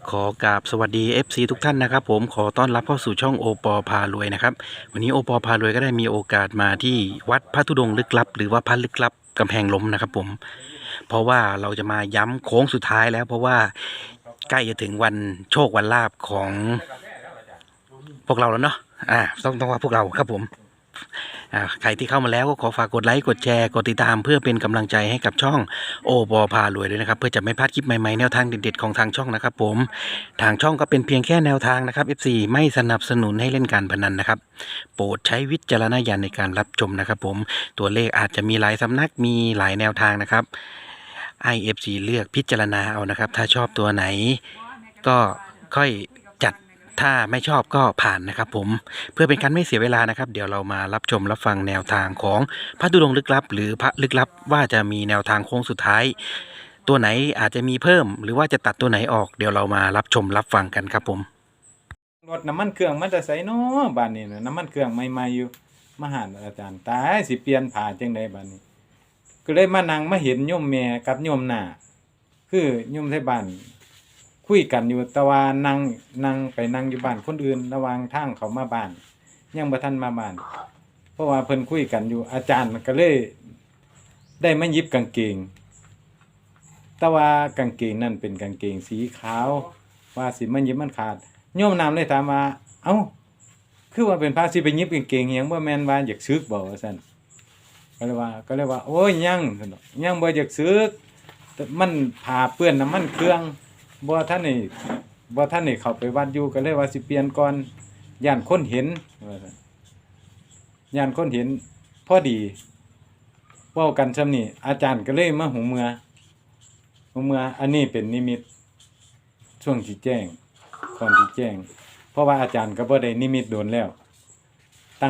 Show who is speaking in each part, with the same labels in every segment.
Speaker 1: ขอกราบสวัสดี FC ทุกท่านนะครับผมขอต้อนรับเข้าสู่ช่องโอปอพารวยนะครับวันนี้โอปอพารวยก็ได้มีโอกาสมาที่วัดพระธุดงค์ลึกลับหรือว่าพระลึกลับกำแพงล้มนะครับผมเพราะว่าเราจะมาย้ำโค้งสุดท้ายแล้วเพราะว่าใกล้จะถึงวันโชควันลาภของพวกเราแล้วเนาะต้องว่าพวกเราครับผมใครที่เข้ามาแล้วก็ขอฝากกดไลค์กดแชร์กดติดตามเพื่อเป็นกำลังใจให้กับช่องโอปอพารวยด้วยนะครับเพื่อจะไม่พลาดคลิปใหม่ๆแนวทางเด็ดๆของทางช่องนะครับผมทางช่องก็เป็นเพียงแค่แนวทางนะครับ FC ไม่สนับสนุนให้เล่นการพนันนะครับโปรดใช้วิจารณญาณในการรับชมนะครับผมตัวเลขอาจจะมีหลายสำนักมีหลายแนวทางนะครับให้ FC เลือกพิจารณาเอานะครับถ้าชอบตัวไหนก็ค่อยจัดถ้าไม่ชอบก็ผ่านนะครับผมเพื่อเป็นการไม่เสียเวลานะครับเดี๋ยวเรามารับชมรับฟังแนวทางของพระธุดงค์ลึกลับหรือพระลึกลับว่าจะมีแนวทางโค้งสุดท้ายตัวไหนอาจจะมีเพิ่มหรือว่าจะตัดตัวไหนออกเดี๋ยวเรามารับชมรับฟังกันครับผม
Speaker 2: รถน้ำมันเครื่องมันจะใส่เนาะบ้านนี้นะน้ำมันเครื่องใหม่ๆอยู่มาหาอาจารย์ตายสิเปลี่ยนผ่าจังไดบ้านนี้ก็เลยมานั่งมาเห็นโยมแม่กับโยมหน้าคือโยมไทบ้านคุยกันอยู่แต่ว่านั่งไปนั่งอยู่บ้านคนอื่นระหว่างทางเขามาบ้านยังบ่ทันมาบ้านเพราะว่าเพิ่นคุยกันอยู่อาจารย์ก็เลยได้มาหยิบกางเกงแต่ว่ากางเกงนั่นเป็นกางเกงสีขาวว่าสิมันหยิบมันขาดโยมนำเลยถามว่าเอ้าคือว่าเป็นพระสิไปหยิบกางเกงหยังบ่แม่นว่าอยากซึกบ่ว่าซั่นก็เลยว่าโอ้ยยังซั่นดอกยังบ่อยากซึกมันผ้าเปื้อนน้ำมันเครื่องบ่ทันได้เข้าไปวัดอยู่ก็เลยว่าสิเปลี่ยนก่อนย่านคนเห็นว่าซั่นย่านคนเห็นพอดีเว้ากันซำนี้อาจารย์ก็เลยมาหูเมื่ออันนี้เป็นนิมิตช่วงที่แจ้งก่อนที่แจ้งเพราะว่าอาจารย์ก็บ่ได้นิมิตโดนแล้วตั้ง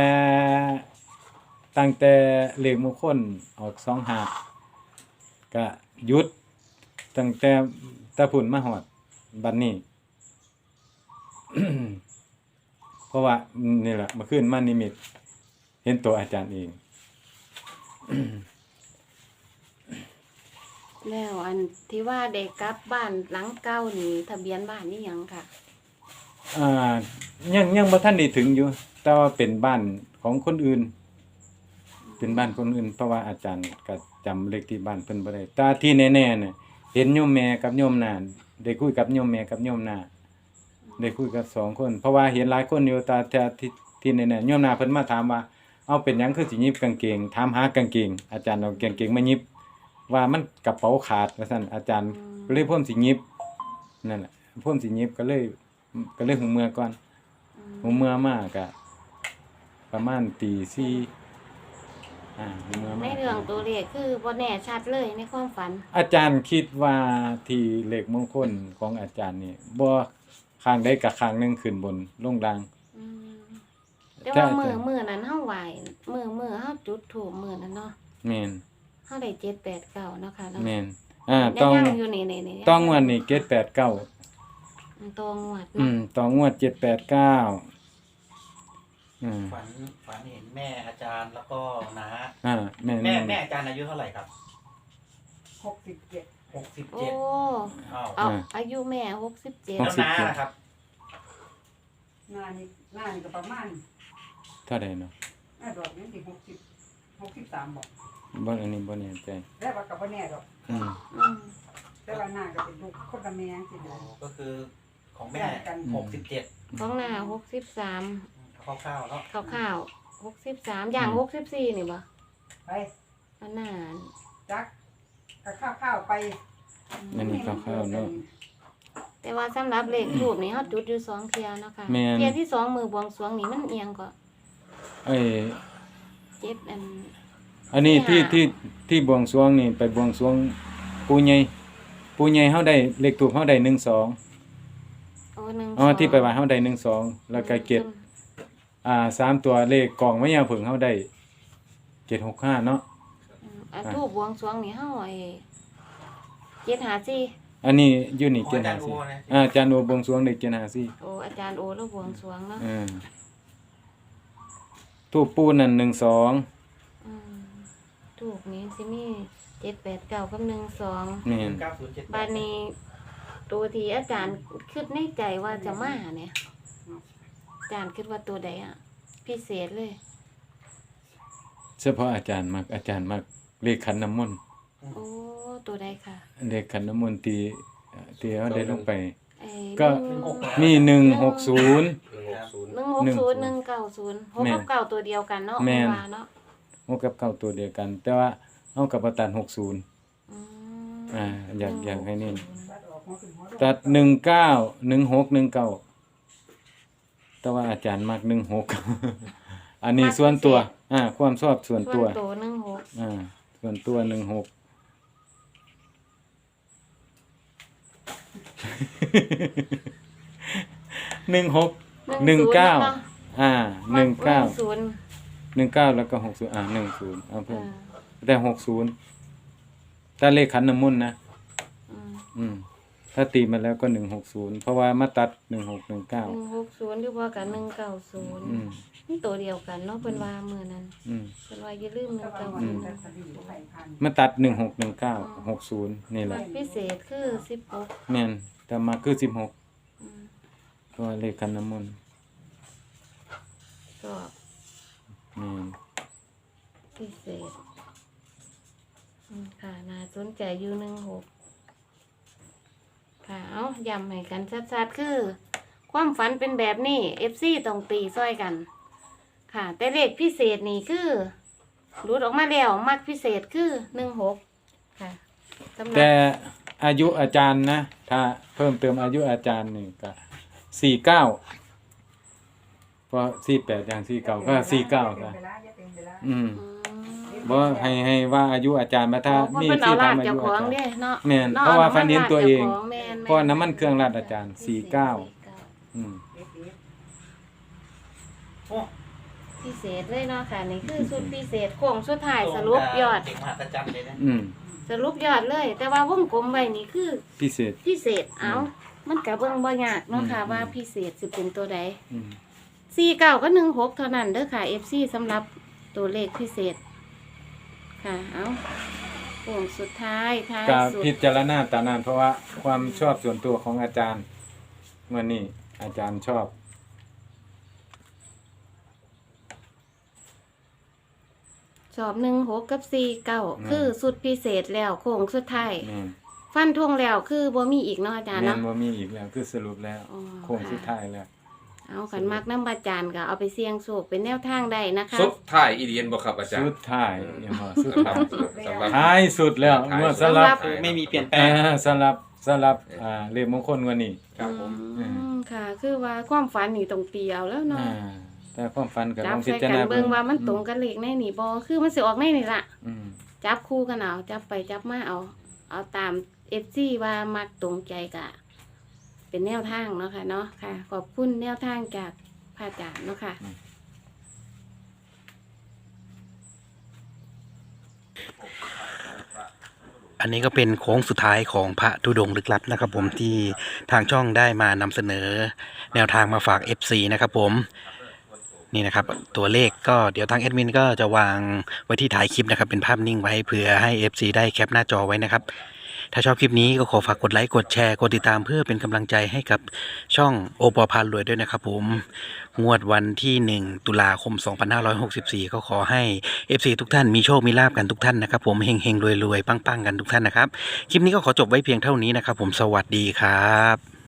Speaker 2: แต่เลขมงคลออก25ก็หยุดตั้งแต่พุ่นมาฮอดบัดนี้ เพราะว่านี่แหละเมื่อคืนมานิมิตเห็นตัวอาจารย์เอง
Speaker 3: แล้วอันที่ว่าเด็กกลับบ้านหลังเก่านี่ทะเบียนบ้านนี่หยังค่ะ
Speaker 2: อ่ายังบ่ทันได้ถึงอยู่แต่ว่าเป็นบ้านของคนอื่นเป็นบ้านคนอื่นเพราะว่าอาจารย์ก็จำเลขที่บ้านเพิ่นบ่ได้แต่ที่แน่ๆเนี่ยเห็นโยมแม่กับโยมนาได้คุยกับโยมแม่กับโยมนาได้คุยกับ2คนเพราะว่าเห็นหลายคนอยู่แต่ที่แน่ๆโยมนาเพิ่นมาถามว่าเอาเป็นหยังคือสิหยิบกางเกงถามหากางเกงอาจารย์เอากางเกงมาหยิบว่ามันกระเป๋าขาดว่าซั่นอาจารย์ก็เลยพ่นสิหยิบนั่นแหละพ่นสิหยิบก็เลยหูเมื่อก่อนหูเมื่อมาก็ประมาณตี4หูเมื่อ
Speaker 3: ใน
Speaker 2: มา
Speaker 3: เรื่องตัวเลขคือบ่แน่ชัดเลยในความฝัน
Speaker 2: อาจารย์คิดว่าที่เลขมงคลของอาจารย์นี่บ่ข้างใดกับข้างหนึงขึ้นบนลงล่าง
Speaker 3: อืมแต่ว่ามื้อนั้นเฮาไหว้มื้อเฮาจุดธูปมื้อนั้นเนาะ
Speaker 2: แม่น
Speaker 3: เฮาได้7 8 9เนาะค่ะเนาะ
Speaker 2: แม่น
Speaker 3: ยั
Speaker 2: ต้อง
Speaker 3: ยังอยู่นี่ๆๆ
Speaker 2: ต้องงวดนี่789
Speaker 3: ตองวด
Speaker 2: ต้องงวด789
Speaker 1: ฝันเห็นแม่อาจารย์แล้วก็น้า
Speaker 2: แม่น
Speaker 1: แม่อาจารย์อายุเท่าไหร่ครับ
Speaker 4: 67
Speaker 3: โอ้
Speaker 1: 67อ้าว
Speaker 3: เอาอายุแม่67
Speaker 1: แล้วน้าล่ะครับ
Speaker 4: หน้านี่ก็ประมาณ
Speaker 2: เท่าใดเนาะ
Speaker 4: หน้าดอกนี่สิ63บอก
Speaker 2: บ่อันนี้บ่แน่ใจ
Speaker 4: แล้วว่าก็บ่แน่ดอก
Speaker 2: อืม
Speaker 3: อืม
Speaker 4: แต่ว่าหน้าก็เป็นลูกคนละแม่จังซี่นะ
Speaker 1: ก็คือของแม่67
Speaker 3: ของหน้า63
Speaker 1: คร่าวๆเนาะ
Speaker 3: คร่าวๆ63อย่าง64นี่บ่
Speaker 4: ไป
Speaker 3: อันหน้า
Speaker 4: จักก็ข้าวๆไป
Speaker 2: อันนี้คร่าวๆเนาะ
Speaker 3: แต่ว่าสำหรับเลขทูปนี่เฮาจุดอยู่2เที่ยเนาะค่ะ
Speaker 2: แม่น
Speaker 3: เที่ยที่2มือบวงสรวงนี่มันเอียงก็
Speaker 2: เอ้ย
Speaker 3: 7
Speaker 2: อันนี้
Speaker 3: ที่
Speaker 2: ที่บวงสรวงนี่ไปบวงสรวงปู่ใหญ่เฮาได้เลขทูปเฮาได้12
Speaker 3: โอ้1
Speaker 2: อ๋อที่ไปว่าเฮาได้12แล้วก็เกต3ตัวเลขกล่องมะยาวผึ่งเฮาได้765เนาะ
Speaker 3: ทูปบวงสรวงนี่เฮา754
Speaker 2: อันนี้อยู่นี่
Speaker 1: ของอาจารย์โอนะ
Speaker 2: อาจารย์โอบวงสรวงได้754
Speaker 3: โอ้อาจารย์โอแล้วบวงสรวงเนาะ
Speaker 2: ทูปปูนั่น12
Speaker 3: อืมทูปนี้สิมี789กับ12
Speaker 2: แม่น
Speaker 1: 9078
Speaker 3: บาดนี้ตัวที่อาจารย์คิดในใจว่าจะมาเนี่ยอาจารย์คิดว่าตัวใดอ่ะ พิเศษเลย
Speaker 2: เฉพาะอาจารย์มักเลขขันน้ำมนต์
Speaker 3: โอ้ตัวใดค่ะ
Speaker 2: เลขขันน้ำมนต์ที่เฮาได้ลงไป
Speaker 3: ไอ้
Speaker 2: ก็ มี160
Speaker 3: 160
Speaker 2: 160
Speaker 3: 190 6
Speaker 2: แม่น
Speaker 3: กับเก้าตัวเดียวกันเนาะ
Speaker 2: แม่น
Speaker 3: ว่าเนาะ
Speaker 2: 6กับ9ตัวเดียวกัน แต่ว่าเฮากับบ่ตัด60
Speaker 3: อืม
Speaker 2: อยากให้เน้น
Speaker 4: ตัดออกหัวขึ้นหัวลง
Speaker 2: ตัด19 16 19แต่ว่าอาจารย์มัก16 อันนี้ส่วนตัวความชอบส่วน
Speaker 3: ส่
Speaker 2: ตัว
Speaker 3: วนตัว16
Speaker 2: ส่วนตัว16 16 19 19 19แล้วก็6010เอาเพิ่มแต่60ถ้าเลขขันน้ำมนต์นะถ้าตีมาแล้วก็160เพราะว่ามาตัด16 19
Speaker 3: 160หรือว่ากับ190นี่ตัวเดียวกันเนาะเพิ่นว่ามื้อนั้นเพิ่นว่าอย่าลืม
Speaker 4: แต่ว่าวันนี้ตัดลิ้นบ่ไปพัน
Speaker 2: มาตัด16 19 60นี่แหละ
Speaker 3: พิเศษคือ16
Speaker 2: แม่นแต่มาคือ16
Speaker 3: อืม
Speaker 2: เพราะว่าเลขขันน้ำมนต์
Speaker 3: ก็
Speaker 2: แม่น
Speaker 3: พิเศษค่ะน่าสนใจอยู่16ค่ะเอาย้ำให้กันชัดๆคือ ความฝันเป็นแบบนี้ FC ต้องตีซ้อยกัน ค่ะ แต่เลขพิเศษนี่คือรุดออกมาแล้วมักพิเศษคือ16ค่ะสำหรับ
Speaker 2: แต่อายุอาจารย์นะ ถ้าเพิ่มเติมอายุอาจารย์นี่ก็49เพราะ48อย่าง49ก็49ก็อืม บ่ให้ว่าอายุอาจารย์มาถ้ามี
Speaker 3: เพิ่นเอา
Speaker 2: ที่
Speaker 3: ลา
Speaker 2: ทำ
Speaker 3: ด
Speaker 2: อา
Speaker 3: เจ้า
Speaker 2: ยุ
Speaker 3: ขอ
Speaker 2: อาง จารย์
Speaker 3: เด้เนาะ
Speaker 2: แม่น
Speaker 3: นาะ
Speaker 2: เพราะว่าฟันเห็นตัวเอง
Speaker 3: าแม่น
Speaker 2: เพราะว่าน้ำมันเครื่องราดอาจารย์อืม
Speaker 3: พิเศษเลยเนาะค่ะ นี่คือสุดพิเศษโค้งสุดท้ายสรุปยอด
Speaker 1: เด็กมหัศจรรย์เลยนะ
Speaker 2: อืม
Speaker 3: สรุปยอดเลย แต่ว่าวงกลมไว้นี่คือ
Speaker 2: พิเศษ
Speaker 3: พิเศษเอามันก็เบิ่งบ่ยากเนาะค่ะ
Speaker 2: อืม
Speaker 3: ว่าพิเศษสิเป็นตัวใด
Speaker 2: อืม
Speaker 3: 49ก็16เท่านั้นเด้อค่ะ FC สำหรับตัวเลขพิเศษ ค่ะ เอาโค้งสุดท้ายท้าย
Speaker 2: ก็
Speaker 3: สุด
Speaker 2: พิจารณาตามนั้นเพราะว่าความชอบส่วนตัวของอาจารย์มื้อนี้อาจารย์ชอบ
Speaker 3: สอบ16กับ49คือสุดพิเศษแล้วโค้งสุดท้าย
Speaker 2: แม่น
Speaker 3: ฟันธงแล้วคือบ่มีอีกเนาะอาจารย์
Speaker 2: แม่น
Speaker 3: เนาะ
Speaker 2: บ่มีอีกแล้วคือสรุปแล้ว
Speaker 3: อ๋อ
Speaker 2: โค้งสุดท้ายแล้ว
Speaker 3: เอาขันมักน้ำอาจารย์ก็เอาไปเสี่ยงโชคเป็นแนวทางได้นะคะ
Speaker 5: สุดท้ายอีเดียนบ่ครับอาจาร
Speaker 2: สุ
Speaker 5: ย์
Speaker 2: ดท้ายยังบ่สุด
Speaker 5: สำหรั
Speaker 2: ท้า
Speaker 5: บ
Speaker 2: ย
Speaker 5: สำหรับ
Speaker 2: ท้ายสุดแล้วเมื่อสำหรับ
Speaker 1: ไม่มีเปลี่ยนแปลง
Speaker 2: สำหรับเลขมงคลวันนี้
Speaker 5: ครับผม
Speaker 3: ค่ะ คือว่าความฝันนี่ต้องเตียวแล้วเนาะ
Speaker 2: แต่ความฝันก็
Speaker 3: จั
Speaker 2: ต้
Speaker 3: บ
Speaker 2: องพิ
Speaker 3: ใส่
Speaker 2: จาร
Speaker 3: กัน
Speaker 2: ณา
Speaker 3: เบิ่งว่ามันตรงกันเลขในนี่บ่คือมันสิออกในนี่ล่ะ
Speaker 2: อืม
Speaker 3: จับคู่กันเอาจับไปจับมาเอาตาม FC ว่ามักตรงใจกะ เป็นแนวทางเนาะค่ะเนาะค่ะ ขอบคุณแนวทางจากพระอาจารย์เนาะค่ะ
Speaker 1: อันนี้ก็เป็นโค้งสุดท้ายของพระธุดงค์ลึกลับนะครับผมที่ทางช่องได้มานำเสนอแนวทางมาฝาก FC นะครับผมนี่นะครับตัวเลขก็เดี๋ยวทางแอดมินก็จะวางไว้ที่ท้ายคลิปนะครับเป็นภาพนิ่งไว้เพื่อให้ FC ได้แคปหน้าจอไว้นะครับถ้าชอบคลิปนี้ก็ขอฝากกดไลค์กดแชร์กดติดตามเพื่อเป็นกำลังใจให้กับช่องโอปอพารวยด้วยนะครับผมงวดวันที่1ตุลาคม2564ก็ขอให้ FC ทุกท่านมีโชคมีลาภกันทุกท่านนะครับผมเฮงๆรวยๆปังๆกันทุกท่านนะครับคลิปนี้ก็ขอจบไว้เพียงเท่านี้นะครับผมสวัสดีครับ